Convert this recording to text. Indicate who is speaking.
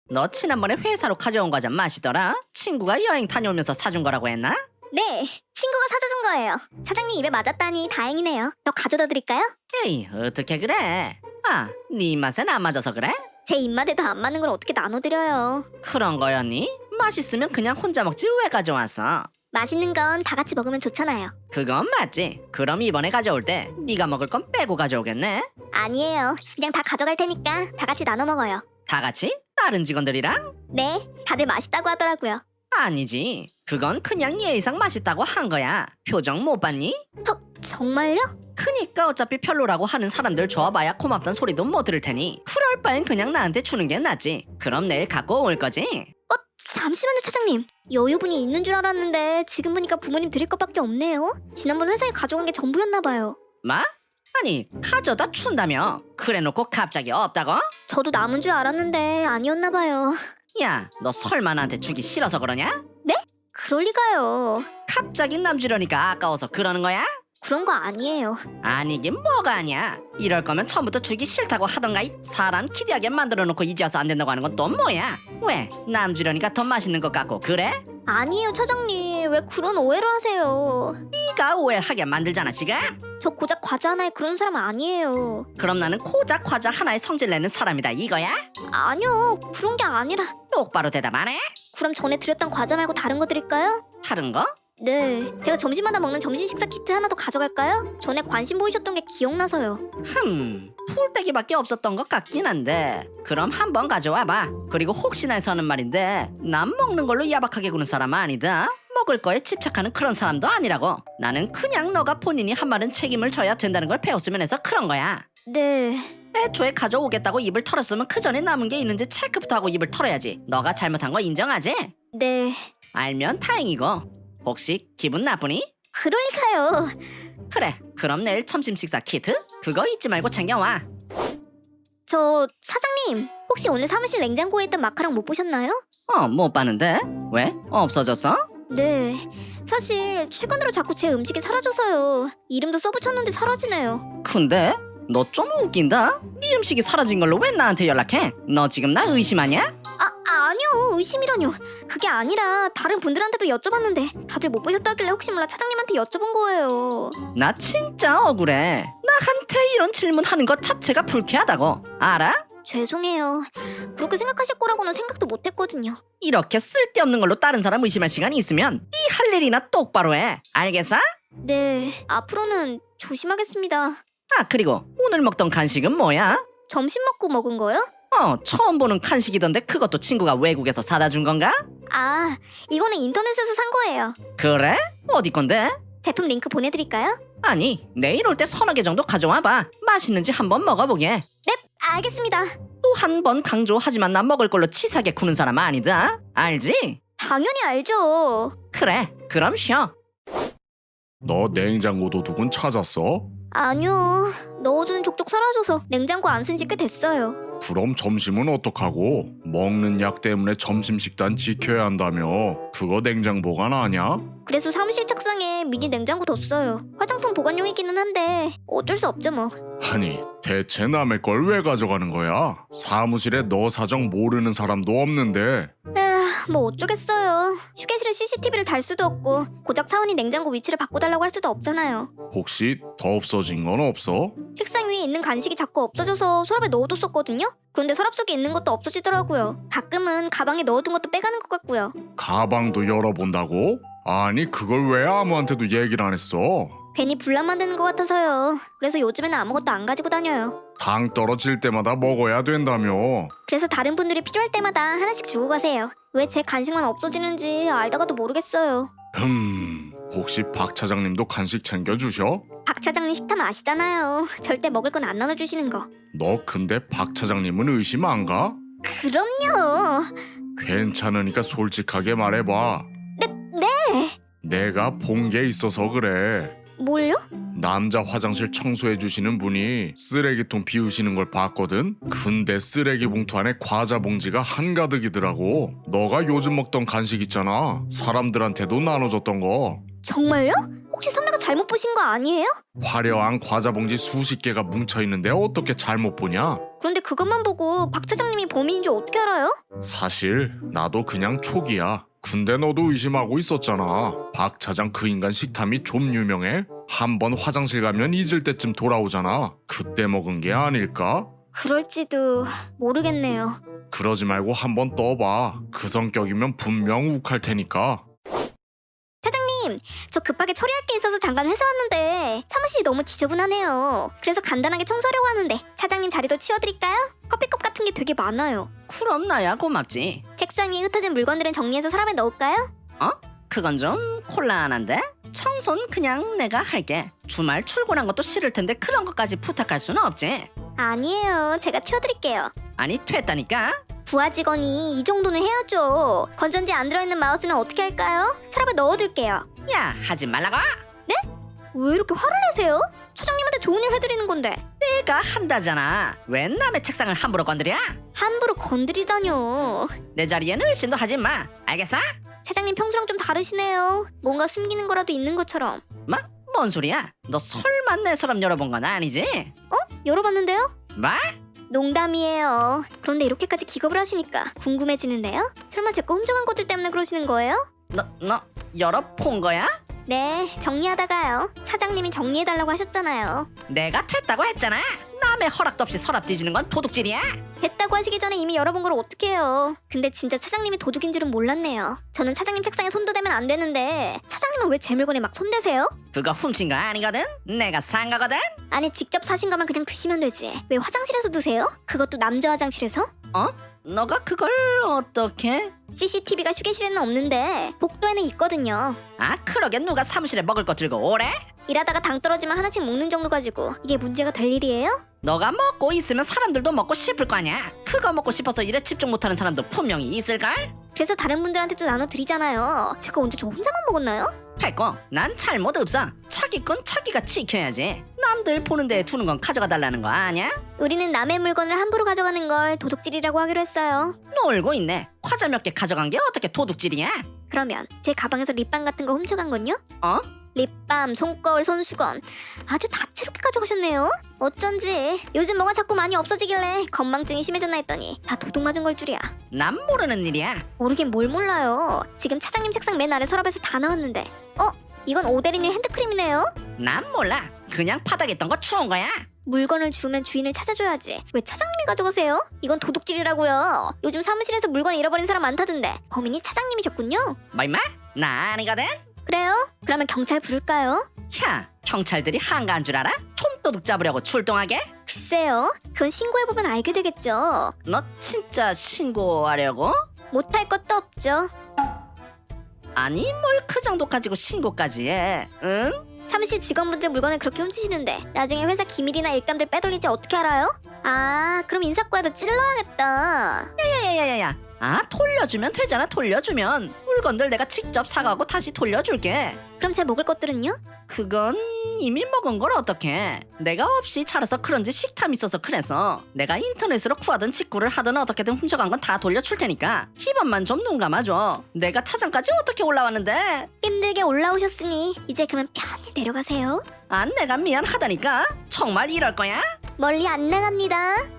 Speaker 1: 너 지난번에 회사로 가져온 과자 맛있더라? 친구가 여행 다녀오면서 사준 거라고 했나?
Speaker 2: 네, 친구가 사다 준 거예요. 사장님 입에 맞았다니 다행이네요. 더 가져다 드릴까요?
Speaker 1: 에이, 어떻게 그래? 아, 네 입맛엔 안 맞아서 그래?
Speaker 2: 제 입맛에도 안 맞는 걸 어떻게 나눠드려요.
Speaker 1: 그런 거였니? 맛있으면 그냥 혼자 먹지 왜 가져왔어?
Speaker 2: 맛있는 건 다 같이 먹으면 좋잖아요.
Speaker 1: 그건 맞지. 그럼 이번에 가져올 때 네가 먹을 건 빼고 가져오겠네?
Speaker 2: 아니에요. 그냥 다 가져갈 테니까 다 같이 나눠 먹어요.
Speaker 1: 다 같이? 다른 직원들이랑?
Speaker 2: 네, 다들 맛있다고 하더라고요.
Speaker 1: 아니지. 그건 그냥 예의상 맛있다고 한 거야. 표정 못 봤니?
Speaker 2: 정말요?
Speaker 1: 그니까 어차피 별로라고 하는 사람들 줘봐야 고맙단 소리도 못 들을 테니 그럴 바엔 그냥 나한테 주는 게 낫지. 그럼 내일 갖고 올 거지?
Speaker 2: 잠시만요, 차장님. 여유분이 있는 줄 알았는데 지금 보니까 부모님 드릴 것밖에 없네요. 지난번 회사에 가져간 게 전부였나 봐요.
Speaker 1: 뭐? 아니 가져다 준다며? 그래놓고 갑자기 없다고?
Speaker 2: 저도 남은 줄 알았는데 아니었나 봐요.
Speaker 1: 야, 너 설마 나한테 주기 싫어서 그러냐?
Speaker 2: 그럴 리가요.
Speaker 1: 갑자기 남 주려니까 아까워서 그러는 거야?
Speaker 2: 그런 거 아니에요.
Speaker 1: 아니긴 뭐가 아니야. 이럴 거면 처음부터 주기 싫다고 하던가. 사람 기대하게 만들어놓고 이제 와서 안 된다고 하는 건 또 뭐야? 왜? 남 주려니까 더 맛있는 것 같고 그래?
Speaker 2: 아니에요, 차장님. 왜 그런 오해를 하세요?
Speaker 1: 네가 오해하게 만들잖아 지금?
Speaker 2: 저 고작 과자 하나에 그런 사람 아니에요.
Speaker 1: 그럼 나는 고작 과자 하나에 성질 내는 사람이다 이거야?
Speaker 2: 아니요, 그런 게 아니라.
Speaker 1: 똑바로 대답 안 해?
Speaker 2: 그럼 전에 드렸던 과자 말고 다른 거 드릴까요?
Speaker 1: 다른 거?
Speaker 2: 네, 제가 점심마다 먹는 점심 식사 키트 하나 더 가져갈까요? 전에 관심 보이셨던 게 기억나서요.
Speaker 1: 풀떼기밖에 없었던 것 같긴 한데 그럼 한번 가져와봐. 그리고 혹시나 해서 하는 말인데 난 먹는 걸로 야박하게 구는 사람 아니다. 먹을 거에 집착하는 그런 사람도 아니라고. 나는 그냥 너가 본인이 한 말은 책임을 져야 된다는 걸 배웠으면 해서 그런 거야.
Speaker 2: 네,
Speaker 1: 애초에 가져오겠다고 입을 털었으면 그 전에 남은 게 있는지 체크부터 하고 입을 털어야지. 너가 잘못한 거 인정하지?
Speaker 2: 네,
Speaker 1: 알면 다행이고. 혹시 기분 나쁘니?
Speaker 2: 그럴 리가요.
Speaker 1: 그래, 그럼 내일 점심 식사 키트? 그거 잊지 말고 챙겨와.
Speaker 2: 저 사장님, 혹시 오늘 사무실 냉장고에 있던 마카롱 못 보셨나요?
Speaker 1: 못 봤는데? 왜? 없어졌어?
Speaker 2: 네, 사실 최근으로 자꾸 제 음식이 사라져서요. 이름도 써붙였는데 사라지네요.
Speaker 1: 근데? 너 좀 웃긴다? 네 음식이 사라진 걸로 왜 나한테 연락해? 너 지금 나 의심하냐?
Speaker 2: 아니요, 의심이라뇨. 그게 아니라 다른 분들한테도 여쭤봤는데 다들 못 보셨다길래 혹시 몰라 차장님한테 여쭤본 거예요.
Speaker 1: 나 진짜 억울해. 나한테 이런 질문하는 것 자체가 불쾌하다고. 알아?
Speaker 2: 죄송해요. 그렇게 생각하실 거라고는 생각도 못했거든요.
Speaker 1: 이렇게 쓸데없는 걸로 다른 사람 의심할 시간이 있으면 네 할 일이나 똑바로 해. 알겠어?
Speaker 2: 네, 앞으로는 조심하겠습니다.
Speaker 1: 아, 그리고 오늘 먹던 간식은 뭐야?
Speaker 2: 점심 먹고 먹은 거요?
Speaker 1: 처음 보는 간식이던데 그것도 친구가 외국에서 사다 준 건가?
Speaker 2: 아, 이거는 인터넷에서 산 거예요.
Speaker 1: 그래? 어디 건데?
Speaker 2: 제품 링크 보내드릴까요?
Speaker 1: 아니, 내일 올 때 서너 개 정도 가져와봐. 맛있는지 한번 먹어보게.
Speaker 2: 네, 알겠습니다.
Speaker 1: 또 한 번 강조하지만 난 먹을 걸로 치사하게 구는 사람 아니다. 알지?
Speaker 2: 당연히 알죠.
Speaker 1: 그래, 그럼 쉬어.
Speaker 3: 너 냉장고 도둑은 찾았어?
Speaker 2: 아니요, 넣어주는 족족 사라져서 냉장고 안 쓴 지 꽤 됐어요.
Speaker 3: 그럼 점심은 어떡하고? 먹는 약 때문에 점심 식단 지켜야 한다며. 그거 냉장 보관 아냐?
Speaker 2: 그래서 사무실 책상에 미니 냉장고 뒀어요. 화장품 보관용이기는 한데 어쩔 수 없죠 뭐.
Speaker 3: 아니, 대체 남의 걸 왜 가져가는 거야? 사무실에 너 사정 모르는 사람도 없는데.
Speaker 2: 에휴, 뭐 어쩌겠어요. 휴게실에 CCTV를 달 수도 없고 고작 사원이 냉장고 위치를 바꿔달라고 할 수도 없잖아요.
Speaker 3: 혹시 더 없어진 건 없어?
Speaker 2: 책상 위에 있는 간식이 자꾸 없어져서 서랍에 넣어뒀었거든요. 그런데 서랍 속에 있는 것도 없어지더라고요. 가끔은 가방에 넣어둔 것도 빼가는 것 같고요.
Speaker 3: 가방도 열어본다고? 아니, 그걸 왜 아무한테도 얘기를 안 했어?
Speaker 2: 괜히 분란 만드는 것 같아서요. 그래서 요즘에는 아무것도 안 가지고 다녀요.
Speaker 3: 당 떨어질 때마다 먹어야 된다며.
Speaker 2: 그래서 다른 분들이 필요할 때마다 하나씩 주고 가세요. 왜 제 간식만 없어지는지 알다가도 모르겠어요.
Speaker 3: 혹시 박 차장님도 간식 챙겨주셔?
Speaker 2: 박 차장님 식탐 아시잖아요. 절대 먹을 건 안 나눠주시는 거.
Speaker 3: 너 근데 박 차장님은 의심 안 가?
Speaker 2: 그럼요.
Speaker 3: 괜찮으니까 솔직하게 말해봐.
Speaker 2: 네.
Speaker 3: 내가 본 게 있어서 그래.
Speaker 2: 뭘요?
Speaker 3: 남자 화장실 청소해 주시는 분이 쓰레기통 비우시는 걸 봤거든? 근데 쓰레기 봉투 안에 과자 봉지가 한가득이더라고. 너가 요즘 먹던 간식 있잖아. 사람들한테도 나눠줬던 거.
Speaker 2: 정말요? 혹시 선배가 잘못 보신 거 아니에요?
Speaker 3: 화려한 과자 봉지 수십 개가 뭉쳐 있는데 어떻게 잘못 보냐?
Speaker 2: 그런데 그것만 보고 박 차장님이 범인인 줄 어떻게 알아요?
Speaker 3: 사실 나도 그냥 촉이야. 근데 너도 의심하고 있었잖아. 박 차장 그 인간 식탐이 좀 유명해. 한 번 화장실 가면 잊을 때쯤 돌아오잖아. 그때 먹은 게 아닐까?
Speaker 2: 그럴지도 모르겠네요.
Speaker 3: 그러지 말고 한번 떠봐. 그 성격이면 분명 욱할 테니까.
Speaker 2: 차장님, 저 급하게 처리할 게 있어서 잠깐 회사 왔는데 사무실이 너무 지저분하네요. 그래서 간단하게 청소하려고 하는데 차장님 자리도 치워드릴까요? 커피컵 같은 게 되게 많아요.
Speaker 1: 그럼 나야 고맙지.
Speaker 2: 책상 위에 흩어진 물건들은 정리해서 서랍에 넣을까요?
Speaker 1: 그건 좀 곤란한데? 청소는 그냥 내가 할게. 주말 출근한 것도 싫을 텐데 그런 것까지 부탁할 수는 없지.
Speaker 2: 아니에요. 제가 치워드릴게요.
Speaker 1: 아니 됐다니까.
Speaker 2: 부하 직원이 이 정도는 해야죠. 건전지 안 들어있는 마우스는 어떻게 할까요? 서랍에 넣어둘게요.
Speaker 1: 야 하지 말라고.
Speaker 2: 왜 이렇게 화를 내세요? 차장님한테 좋은 일 해드리는 건데.
Speaker 1: 내가 한다잖아. 왜 남의 책상을 함부로 건드려?
Speaker 2: 함부로 건드리다뇨.
Speaker 1: 내 자리에는 의심도 하지 마. 알겠어?
Speaker 2: 차장님 평소랑 좀 다르시네요. 뭔가 숨기는 거라도 있는 것처럼.
Speaker 1: 뭐? 뭔 소리야? 너 설마 내 서랍 열어본 건 아니지?
Speaker 2: 열어봤는데요?
Speaker 1: 뭐?
Speaker 2: 농담이에요. 그런데 이렇게까지 기겁을 하시니까 궁금해지는데요? 설마 제 거 훔쳐간 것들 때문에 그러시는 거예요?
Speaker 1: 너 열어본 거야?
Speaker 2: 네, 정리하다가요. 차장님이 정리해달라고 하셨잖아요.
Speaker 1: 내가 됐다고 했잖아. 남의 허락도 없이 서랍 뒤지는 건 도둑질이야.
Speaker 2: 됐다고 하시기 전에 이미 열어본 걸 어떻게 해요? 근데 진짜 차장님이 도둑인 줄은 몰랐네요. 저는 차장님 책상에 손도 대면 안 되는데 차장님은 왜 제 물건에 막 손대세요?
Speaker 1: 그거 훔친 거 아니거든? 내가 산 거거든?
Speaker 2: 아니 직접 사신 거면 그냥 드시면 되지. 왜 화장실에서 드세요? 그것도 남자 화장실에서?
Speaker 1: 너가 그걸 어떻게?
Speaker 2: CCTV가 휴게실에는 없는데 복도에는 있거든요.
Speaker 1: 아 그러게 누가 사무실에 먹을 거 들고 오래?
Speaker 2: 일하다가 당 떨어지면 하나씩 먹는 정도 가지고 이게 문제가 될 일이에요?
Speaker 1: 너가 먹고 있으면 사람들도 먹고 싶을 거 아니야. 그거 먹고 싶어서 일에 집중 못하는 사람도 분명히 있을걸?
Speaker 2: 그래서 다른 분들한테도 나눠드리잖아요. 제가 언제 저 혼자만 먹었나요?
Speaker 1: 됐고 난 잘못 없어. 자기 건 자기가 지켜야지. 남들 보는 데에 두는 건 가져가 달라는 거 아니야?
Speaker 2: 우리는 남의 물건을 함부로 가져가는 걸 도둑질이라고 하기로 했어요.
Speaker 1: 놀고 있네. 과자 몇 개 가져간 게 어떻게 도둑질이야?
Speaker 2: 그러면 제 가방에서 립밤 같은 거 훔쳐간 건요?
Speaker 1: 어?
Speaker 2: 립밤, 손거울, 손수건 아주 다채롭게 가져가셨네요. 어쩐지 요즘 뭐가 자꾸 많이 없어지길래 건망증이 심해졌나 했더니 다 도둑 맞은 걸 줄이야.
Speaker 1: 난 모르는 일이야.
Speaker 2: 모르긴 뭘 몰라요. 지금 차장님 책상 맨 아래 서랍에서 다 나왔는데 이건 오데리님 핸드크림이네요.
Speaker 1: 난 몰라. 그냥 바닥에 있던 거 주운 거야.
Speaker 2: 물건을 주우면 주인을 찾아줘야지. 왜 차장님이 가져가세요? 이건 도둑질이라고요. 요즘 사무실에서 물건 잃어버린 사람 많다던데 범인이 차장님이셨군요.
Speaker 1: 뭐 임마? 나 아니거든?
Speaker 2: 그래요? 그러면 경찰 부를까요?
Speaker 1: 야 경찰들이 한가한 줄 알아? 촌도둑 잡으려고 출동하게?
Speaker 2: 글쎄요. 그건 신고해보면 알게 되겠죠.
Speaker 1: 너 진짜 신고하려고?
Speaker 2: 못할 것도 없죠.
Speaker 1: 아니 뭘 그 정도 가지고 신고까지 해? 응?
Speaker 2: 사무실 직원분들 물건을 그렇게 훔치시는데 나중에 회사 기밀이나 일감들 빼돌릴지 어떻게 알아요? 아, 그럼 인사과에도 찔러야겠다.
Speaker 1: 야야야야야. 아 돌려주면 되잖아. 돌려주면 물건들 내가 직접 사가고 다시 돌려줄게.
Speaker 2: 그럼 제 먹을 것들은요?
Speaker 1: 그건 이미 먹은 걸 어떡해. 내가 없이 자라서 그런지 식탐 있어서 그래서 내가 인터넷으로 구하든 직구를 하든 어떻게든 훔쳐간 건 다 돌려줄 테니까 이번만 좀 눈 감아줘. 내가 차장까지 어떻게 올라왔는데.
Speaker 2: 힘들게 올라오셨으니 이제 그만 편히 내려가세요.
Speaker 1: 아 내가 미안하다니까. 정말 이럴 거야?
Speaker 2: 멀리 안 나갑니다.